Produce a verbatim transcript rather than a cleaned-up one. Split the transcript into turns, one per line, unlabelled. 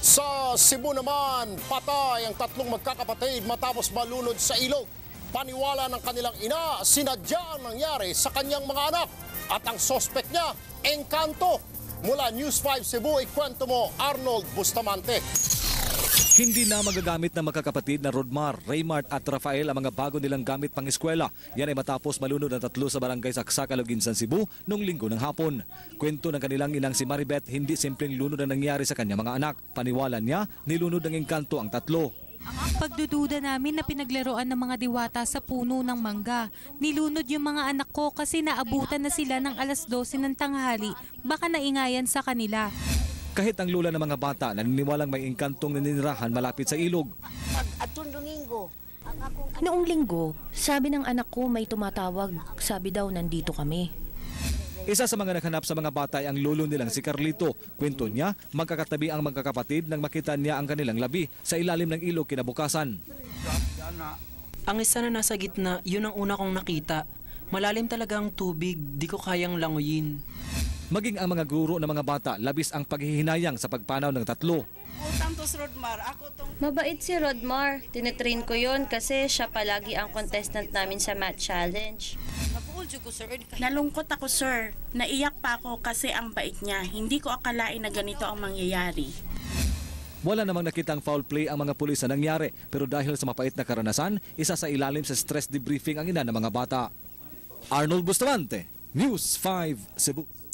Sa Cebu naman, patay ang tatlong magkakapatid matapos malunod sa ilog. Paniwala ng kanilang ina, sinadya ang nangyari sa kanyang mga anak. At ang sospek niya, engkanto. Mula News five Cebu, ikwento mo Arnold Bustamante.
Hindi na magagamit ng magkakapatid na Rodmar, Raymart at Rafael ang mga bago nilang gamit pang eskwela. Yan ay matapos malunod ang tatlo sa barangay Saksak, Aloginsan, Cebu noong linggo ng hapon. Kwento ng kanilang inang si Maribeth, hindi simpleng lunod ang nangyari sa kanyang mga anak. Paniwala niya, nilunod ng engkanto ang tatlo.
Pagdududa namin na pinaglaruan ng mga diwata sa puno ng mangga. Nilunod yung mga anak ko kasi naabutan na sila ng alas dose ng tanghali. Baka naingayan sa kanila.
Kahit ang lula ng mga bata, naniniwalang may engkantong naninirahan malapit sa ilog.
Noong linggo, sabi ng anak ko may tumatawag. Sabi daw nandito kami.
Isa sa mga naghanap sa mga bata ay ang lolo nilang si Carlito. Kwento niya, magkakatabi ang magkakapatid nang makita niya ang kanilang labi sa ilalim ng ilog kinabukasan.
Ang isa na nasa gitna, yun ang una kong nakita. Malalim talaga ang tubig, di ko kayang languyin.
Maging ang mga guro ng mga bata, labis ang paghihinayang sa pagpanaw ng tatlo.
Mabait si Rodmar. Tinetrain ko yun kasi siya palagi ang contestant namin sa math challenge.
Nalungkot ako, sir. Naiyak pa ako kasi ang bait niya. Hindi ko akalain na ganito ang mangyayari.
Wala namang nakitang foul play ang mga pulis na nangyari, pero dahil sa mapait na karanasan, isa sa ilalim sa stress debriefing ang ina ng mga bata. Arnold Bustamante, News five Cebu.